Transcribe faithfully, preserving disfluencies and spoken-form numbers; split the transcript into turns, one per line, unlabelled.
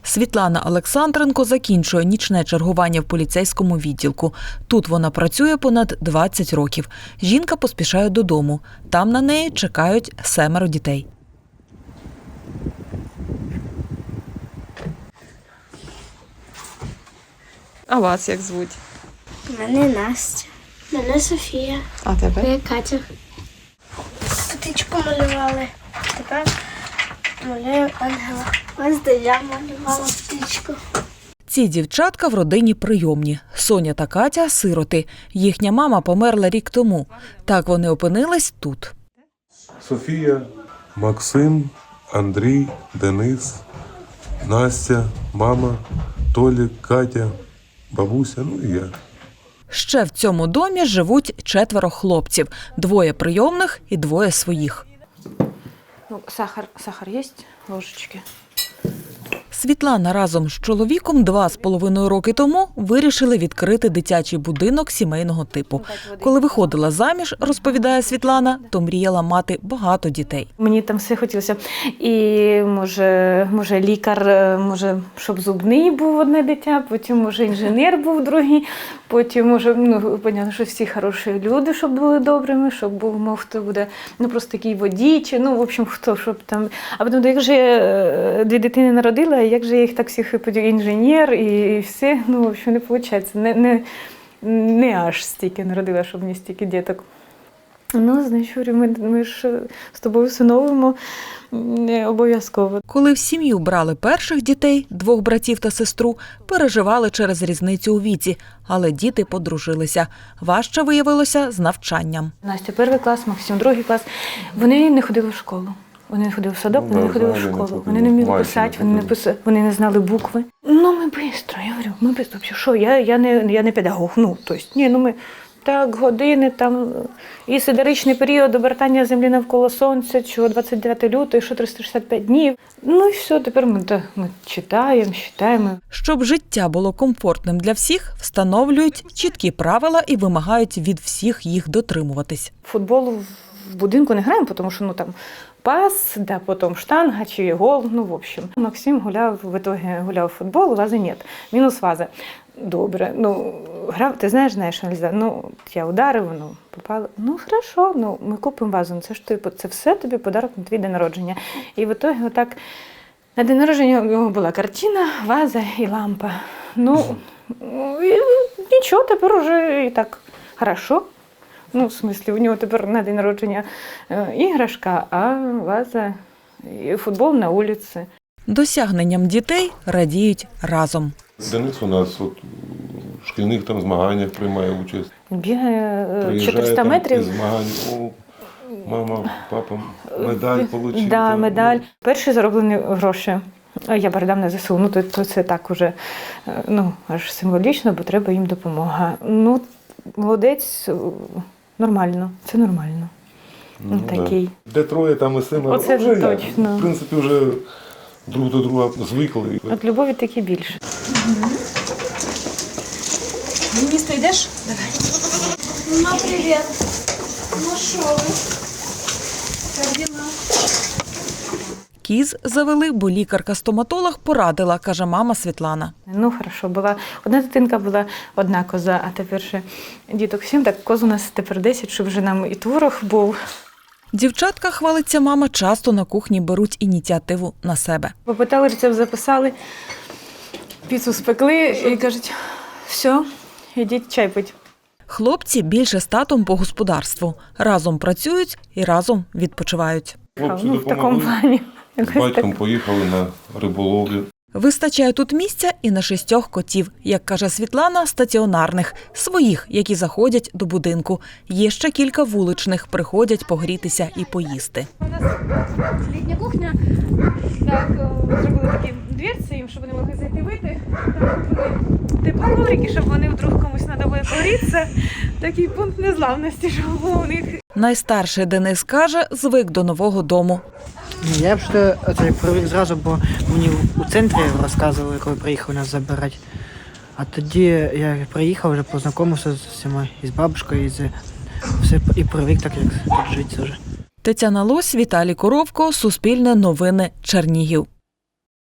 Світлана Олександренко закінчує нічне чергування в поліцейському відділку. Тут вона працює понад двадцять років. Жінка поспішає додому. Там на неї чекають семеро дітей.
А вас як звуть?
Мене Настя. Мене Софія.
А тебе?
Мене Катя. Птичку малювали. Тепер малюємо ангела. Ось де я малювала птичку.
Ці дівчатка в родині прийомні. Соня та Катя – сироти. Їхня мама померла рік тому. Так вони опинились тут.
Софія, Максим, Андрій, Денис, Настя, мама, Толік, Катя, бабуся, ну і я.
Ще в цьому домі живуть четверо хлопців. Двоє прийомних і двоє своїх.
Ну, сахар, сахар є? Ложечки.
Світлана разом з чоловіком два з половиною роки тому вирішили відкрити дитячий будинок сімейного типу. Коли виходила заміж, розповідає Світлана, то мріяла мати багато дітей.
Мені там все хотілося. І, може, може лікар, може, щоб зубний був одне дитя, потім, може, інженер був другий, потім, може, ну, понятно, що всі хороші люди, щоб були добрими, щоб був, мов, хто буде, ну, просто такий водій, чи, ну, в общем, хто, щоб там. А потім, як же я дві дитини народила, як же я їх так всіх інженер і, і все, ну, в общем, не виходить. Не, не, не аж стільки народила, щоб не стільки діток. Ну, значить, ми, ми ж з тобою всиновуємо обов'язково.
Коли в сім'ю брали перших дітей, двох братів та сестру, переживали через різницю у віці, але діти подружилися. Важче виявилося з навчанням.
Настя перший клас, Максим другий клас. Вони не ходили в школу. Вони не ходили в садок, вони
Ну,
не ходили в
взагалі не
школу.
ходили.
Вони не вміли
Майже
писати,
не
вони не
ходили.
писали, вони не знали букви. Ну, ми швидко, я говорю, ми швидко. Що, я, я, не, я не педагог, ну, тобто, ні, ну ми так, години, там, і сидеричний період обертання землі навколо сонця, чого двадцять дев'ятого лютого, що триста шістдесят п'ять днів. Ну і все, тепер ми, да, ми читаємо, читаємо.
Щоб життя було комфортним для всіх, встановлюють чіткі правила і вимагають від всіх їх дотримуватись.
Футбол в будинку не граємо, тому що, ну, там, пас, да, потім штанга чи гол, ну, в общем. Максим гуляв, в итоге гуляв в футбол, вази нет. Мінус ваза. Добре, ну, грав, ти знаєш, знаєш, що нельзя. Ну, я ударив, ну, попало. Ну, хорошо, ну, ми купимо вазу, ну, це ж тобі, це все тобі подарок на твій день народження. І в итоге отак, на день народження у нього була картина, ваза і лампа. Ну, і нічого, тепер уже і так хорошо. Ну, в смислі, у нього тепер на день народження е, іграшка, а ваза і футбол на вулиці.
Досягненням дітей радіють разом.
Денис у нас от, в шкільних там змаганнях приймає участь.
Бігає е,
Приїжджає
чотириста
там
метрів.
із змагань. О, мама, папа, медаль отримали.
Да, медаль. Перші зароблені гроші я передав на ЗСУ. Ну, то, то це так уже, ну, аж символічно, бо треба їм допомога. Ну, молодець, нормально, це нормально.
Ну,
такий.
Да. Де троє, там і семеро.
Оце
вже,
точно.
В принципі, вже друг до друга звикли.
От любові таки більше.
В місто йдеш? Давай.
Ну, привіт. Ну, що ви?
Як діла?
Кіз завели, бо лікарка-стоматолог порадила, каже мама Світлана.
Ну, хорошо, була одна дитинка, була одна коза, а тепер ще діток сім, так коз у нас тепер десять, щоб вже нам і творог був.
Дівчатка, хвалиться мама, часто на кухні беруть ініціативу на себе.
Попитали, рецепт записали, піцу спекли і кажуть, все, ідіть чай пить.
Хлопці більше з татом по господарству. Разом працюють і разом відпочивають.
Хлопці
Ну, в такому
допомогли.
плані.
З батьком поїхали на риболовлю.
Вистачає тут місця і на шістьох котів, як каже Світлана, стаціонарних, своїх, які заходять до будинку. Є ще кілька вуличних, приходять погрітися і поїсти.
У нас літня кухня. Так, зробили такі дверці їм, щоб вони могли зайти вийти. Там були теплі коврики, щоб вони вдруг комусь треба буде погрітися. Такий пункт незламності, щоб був у них.
Найстарший Денис каже, звик до нового дому.
Я б що це привик зразу, бо мені у центрі розказували, коли приїхав нас забирати. А тоді я приїхав, вже познайомився з всіма, і з бабушкою, і, з, все, і привик так, як тут жити вже.
Тетяна Лось, Віталій Коровко, Суспільне новини, Чернігів.